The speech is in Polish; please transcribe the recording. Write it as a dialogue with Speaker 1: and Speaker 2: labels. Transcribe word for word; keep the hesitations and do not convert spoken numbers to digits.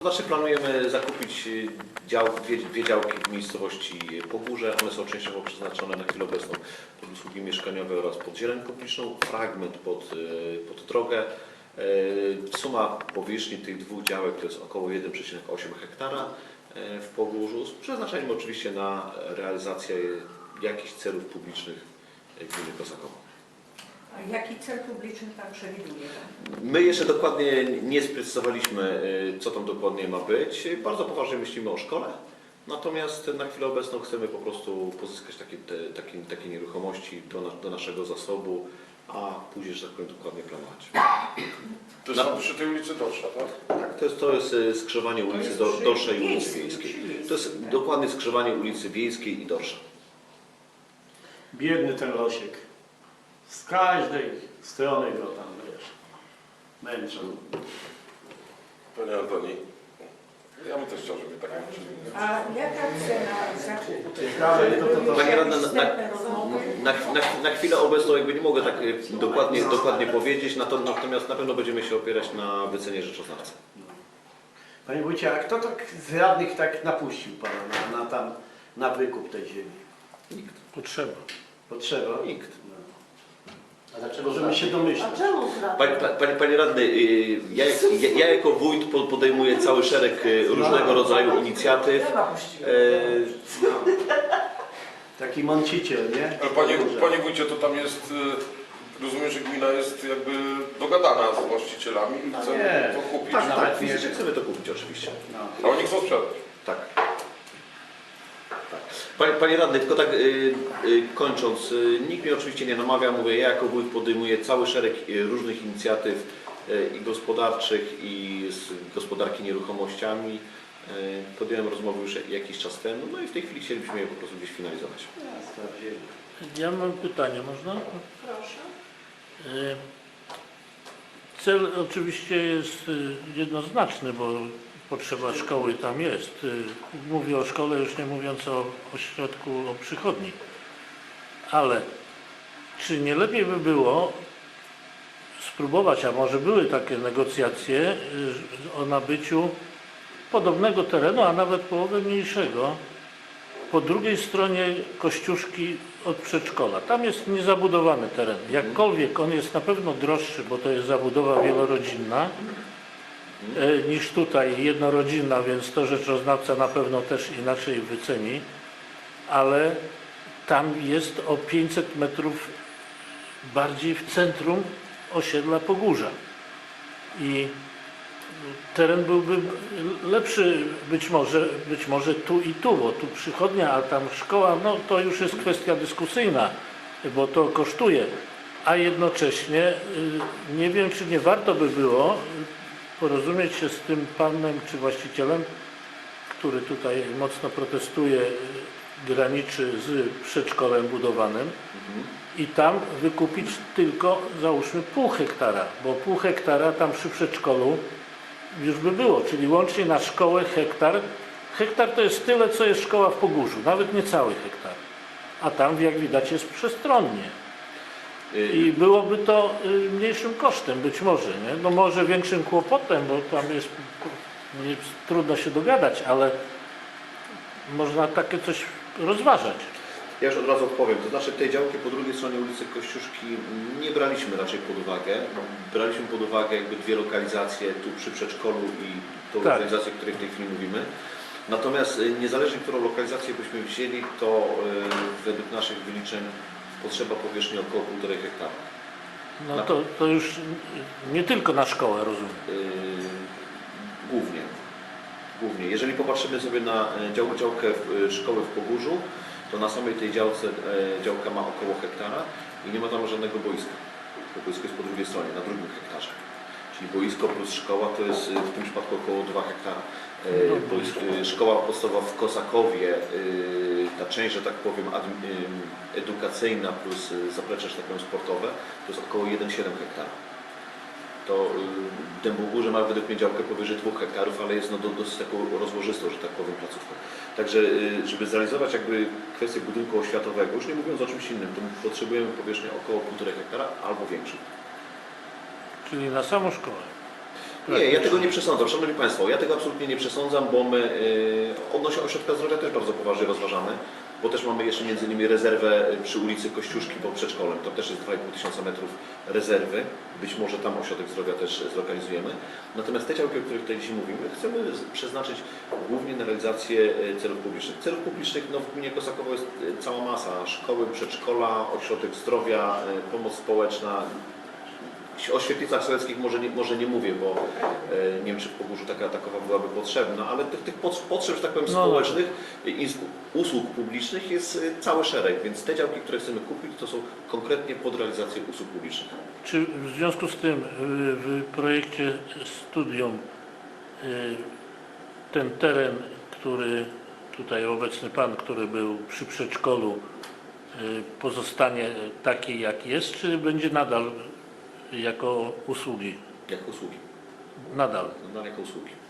Speaker 1: Znaczy planujemy zakupić dział, dwie, dwie działki w miejscowości Pogórze. One są częściowo przeznaczone na chwilę obecną pod usługi mieszkaniowe oraz pod zieleń publiczną. Fragment pod, pod drogę. Suma powierzchni tych dwóch działek to jest około jeden przecinek osiem hektara w Pogórzu, z przeznaczeniem oczywiście na realizację jakichś celów publicznych gminy Kosakowo.
Speaker 2: A jaki cel publiczny Pan przewiduje?
Speaker 1: My jeszcze dokładnie nie sprecyzowaliśmy, co tam dokładnie ma być. Bardzo poważnie myślimy o szkole, natomiast na chwilę obecną chcemy po prostu pozyskać takie, te, takie, takie nieruchomości do, na, do naszego zasobu, a później, że tak powiem, dokładnie planować.
Speaker 3: To jest na, przy tej ulicy Dorsza, tak?
Speaker 1: Tak, to jest, to jest skrzyżowanie ulicy do, Dorszej i ulicy Wiejskiej. To jest dokładnie skrzyżowanie ulicy Wiejskiej i Dorsza.
Speaker 4: Biedny ten Losiek. Z każdej strony go tam, wiesz, męczą.
Speaker 3: Panie Antoni, ja bym też chciał, żeby tak męczyli.
Speaker 2: A jaka cena zakupu?
Speaker 4: Ciekawe, to, to, to.
Speaker 1: Panie radny, na, na, na, na chwilę obecną jakby nie mogę tak dokładnie, dokładnie powiedzieć, natomiast na pewno będziemy się opierać na wycenie rzeczoznawcy.
Speaker 4: Panie wójcie, a kto tak z radnych tak napuścił pana na, na, tam, na wykup tej ziemi?
Speaker 1: Nikt.
Speaker 4: Potrzeba. Potrzeba?
Speaker 1: Nikt.
Speaker 4: A dlaczego? Możemy się domyślać.
Speaker 2: A czemu
Speaker 1: Panie, panie, panie radny, ja, ja, ja jako wójt podejmuję cały szereg różnego rodzaju inicjatyw.
Speaker 4: Taki mąciciel, nie?
Speaker 3: Ale panie, panie wójcie, to tam jest, rozumiem, że gmina jest jakby dogadana z właścicielami i chce
Speaker 4: Nie.
Speaker 3: to kupić.
Speaker 1: Tak, tak, fizycznie chcemy to kupić oczywiście.
Speaker 3: A oni chcą sprzedać.
Speaker 1: Tak. Panie, panie radny, tylko tak yy, yy, kończąc, yy, nikt mnie oczywiście nie namawia, mówię, ja jako wójt podejmuję cały szereg yy, różnych inicjatyw yy, i gospodarczych, i z gospodarki nieruchomościami. Yy, podjąłem rozmowę już jakiś czas temu, no i w tej chwili chcielibyśmy je po prostu gdzieś finalizować.
Speaker 5: Ja mam pytanie, można?
Speaker 2: Proszę.
Speaker 5: Y, Cel oczywiście jest y, jednoznaczny, bo potrzeba szkoły tam jest. Y, Mówię o szkole, już nie mówiąc o ośrodku, o przychodni. Ale czy nie lepiej by było spróbować, a może były takie negocjacje y, o nabyciu podobnego terenu, a nawet połowę mniejszego, po drugiej stronie Kościuszki od przedszkola. Tam jest niezabudowany teren. Jakkolwiek on jest na pewno droższy, bo to jest zabudowa wielorodzinna, e, niż tutaj jednorodzinna, więc to rzeczoznawca na pewno też inaczej wyceni, ale tam jest o pięćset metrów bardziej w centrum osiedla Pogórza. I teren byłby lepszy być może, być może tu i tu, bo tu przychodnia, a tam szkoła, no to już jest kwestia dyskusyjna, bo to kosztuje. A jednocześnie nie wiem, czy nie warto by było porozumieć się z tym panem czy właścicielem, który tutaj mocno protestuje, graniczy z przedszkolem budowanym, i tam wykupić tylko, załóżmy, pół hektara, bo pół hektara tam przy przedszkolu już by było, czyli łącznie na szkołę hektar. Hektar to jest tyle, co jest szkoła w Pogórzu, nawet nie cały hektar. A tam, jak widać, jest przestronnie. I byłoby to mniejszym kosztem, być może, nie? No może większym kłopotem, bo tam jest, nie, trudno się dogadać, ale można takie coś rozważać.
Speaker 1: Ja już od razu odpowiem, to znaczy tej działki po drugiej stronie ulicy Kościuszki nie braliśmy raczej pod uwagę. Braliśmy pod uwagę jakby dwie lokalizacje, tu przy przedszkolu i tą
Speaker 5: Tak.
Speaker 1: lokalizację, o której w tej chwili mówimy. Natomiast niezależnie, którą lokalizację byśmy wzięli, to yy, według naszych wyliczeń potrzeba powierzchni około półtorej hektara.
Speaker 5: No to, to już nie tylko na szkołę, rozumiem.
Speaker 1: Yy, głównie. Głównie. Jeżeli popatrzymy sobie na dział, działkę w, szkoły w Pogórzu, to na samej tej działce e, działka ma około hektara i nie ma tam żadnego boiska. To boisko jest po drugiej stronie, na drugim hektarze. Czyli boisko plus szkoła to jest w tym przypadku około dwa hektara. E, boisko, e, szkoła podstawowa w Kosakowie, e, ta część, że tak powiem, ad, e, edukacyjna plus zaplecze, że tak powiem, sportowe, to jest około jeden przecinek siedem hektara. To y, Dębogórze ma według mnie działkę powyżej dwóch hektarów, ale jest no, do, dosyć taką rozłożystą, że tak powiem, placówką. Także y, żeby zrealizować jakby kwestię budynku oświatowego, już nie mówiąc o czymś innym, to potrzebujemy powierzchnię około półtorej hektara albo większą.
Speaker 5: Czyli na samą szkołę.
Speaker 1: Nie, ja tego nie przesądzam. Szanowni Państwo, ja tego absolutnie nie przesądzam, bo my yy, odnośnie ośrodka zdrowia też bardzo poważnie rozważamy, bo też mamy jeszcze między innymi rezerwę przy ulicy Kościuszki pod przedszkolem. To też jest dwa i pół tysiąca metrów rezerwy. Być może tam ośrodek zdrowia też zlokalizujemy. Natomiast te działki, o których tutaj dzisiaj mówimy, chcemy z- przeznaczyć głównie na realizację e, celów publicznych. Celów publicznych no, w gminie Kosakowo jest e, cała masa. Szkoły, przedszkola, ośrodek zdrowia, e, pomoc społeczna. O świetlicach sołeckich może nie, może nie mówię, bo e, nie wiem, czy w Pogórzu taka takowa byłaby potrzebna, ale tych, tych pod- potrzeb, że tak powiem,
Speaker 5: No.
Speaker 1: społecznych i z- usług publicznych jest e, cały szereg, więc te działki, które chcemy kupić, to są konkretnie pod realizację usług publicznych.
Speaker 5: Czy w związku z tym y, w projekcie studium y, ten teren, który tutaj obecny Pan, który był przy przedszkolu, y, pozostanie taki jak jest, czy będzie nadal jako usługi?
Speaker 1: Jak usługi.
Speaker 5: Nadal.
Speaker 1: Nadal jako usługi.